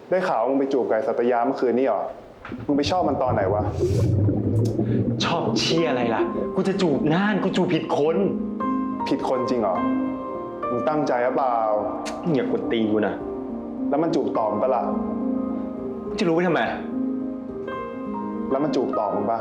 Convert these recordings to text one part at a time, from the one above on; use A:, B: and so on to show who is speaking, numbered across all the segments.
A: ได้ข่าวว่ามึงไปจูบไก่สัตยาเมื่อคืนนี่หรอมึงไปชอบมันตอนไหนวะ
B: ชอบเชี่ยอะไรล่ะกูจะจูบน่านกูจูบผิดคน
A: ผิดคนจริงเหรอมึงตั้งใจหรือเปล่า
B: อย่ากดตีกูนะ
A: แล้วมันจูบตอบมึงปะล่ะ
B: จะรู้ไปทำไม
A: แล้วมันจูบตอบมึงปะ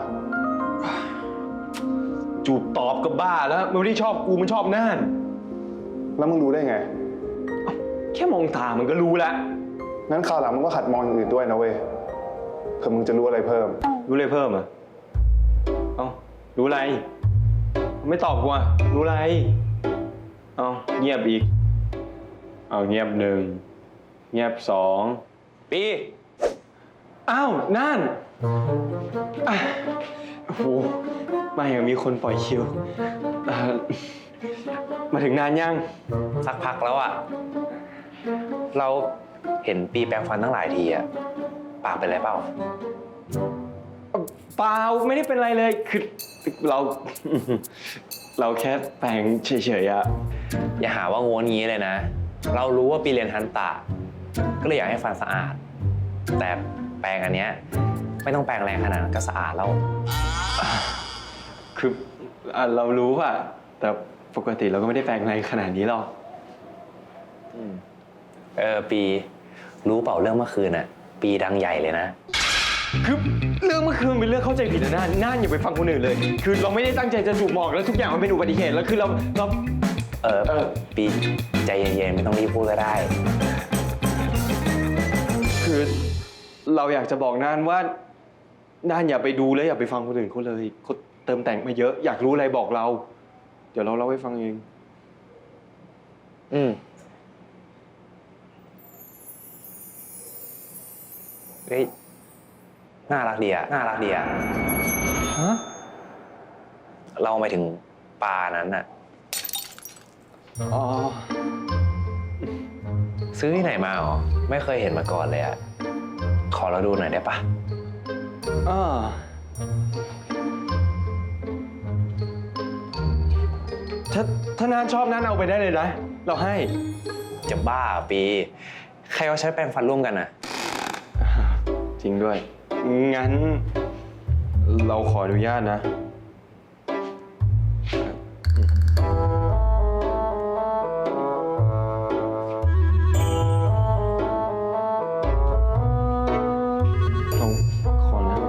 B: จูบตอบก็บ้าแล้วมันไม่ได้ชอบกูมันชอบน่าน
A: แล้วมึงรู้ได้ไง
B: แค่มองตามันก็รู้แล้ว
A: งั้นคราวหลังมึงก็ขัดมองอย่างอื่นด้วยนะเว้ยเผื่อมึงจะรู้อะไรเพิ่ม
B: รู้อะไรเพิ่มอ่ะเอ้ารู้อะไรไม่ตอบกูอ่ะรู้อะไรเอ้าเงียบอีกเอาเงียบหนึ่งเงียบสองปีอ้าวน่านโอ้โหไม่มีคนปล่อยคิวมาถึงนานยัง
C: สักพักแล้วอ่ะเราเห็นปีแปรงฟันตั้งหลายทีอ่ะปากเป็นไรเปล่า
B: เปล่าไม่ได้เป็นไรเลยคือเราเราแค่แปรงเฉยๆอะ
C: อย่าหาว่าโง่งี้เลยนะเรารู้ว่าปีเรียนทันตะก็เลยอยากให้ฟันสะอาดแต่แปรงอันเนี้ยไม่ต้องแปรงแรงขนาดนั้นก็สะอาดแล้ว
B: คือเรารู้อะแต่ปกติเราก็ไม่ได้แปรงแรงขนาดนี้หรอก
C: ปีรู้เปล่าเรื่องเมื่อคืนอะปีดังใหญ่เลยนะ
B: คือเรื่องเมื่อคืนเป็นเรื่องเข้าใจผิดนะน่านอย่าไปฟังคนอื่นเลยคือเราไม่ได้ตั้งใจจะจูบหมอกแล้วทุกอย่างมันเป็นอุบัติเหตุแล้วคือเรา
C: ปีใจเย็นๆไม่ต้องรีบพูดก็ได้
B: คือเราอยากจะบอกน่านว่าน่านอย่าไปดูเลยอย่าไปฟังคนอื่นเขาเลยเขาเติมแต่งมาเยอะอยากรู้อะไรบอกเราเดี๋ยวเราเล่าให้ฟังเอง
C: เฮ้ยน่ารักดีอะน่ารักดีอะ
B: ฮะ
C: เราไปถึงปลานั้นอะ
B: อ๋อ
C: ซื้อที่ไหนมาหรอไม่เคยเห็นมาก่อนเลยอะขอเราดูหน่อยได้ปะ
B: ถ้านานชอบนั้นเอาไปได้เลยนะเราให้
C: จะบ้าปีใครเขาใช้แปรงฟันร่วมกันอะ
B: จริงด้วยงั้นเราขออนุญาตนะเราขอนะ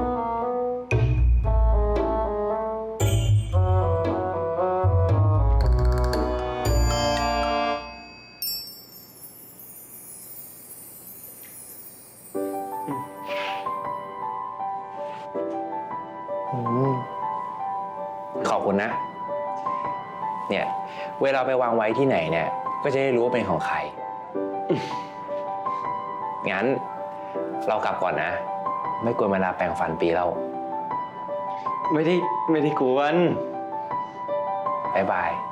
C: ขอบคุณนะเนี่ยเวลาไปวางไว้ที่ไหนเนี่ยก็จะได้รู้ว่าเป็นของใครงั้นเรากลับก่อนนะไม่กวนเวลาแปรงฟันปีเรา
B: ไม่ได้กวน
C: บ๊ายบาย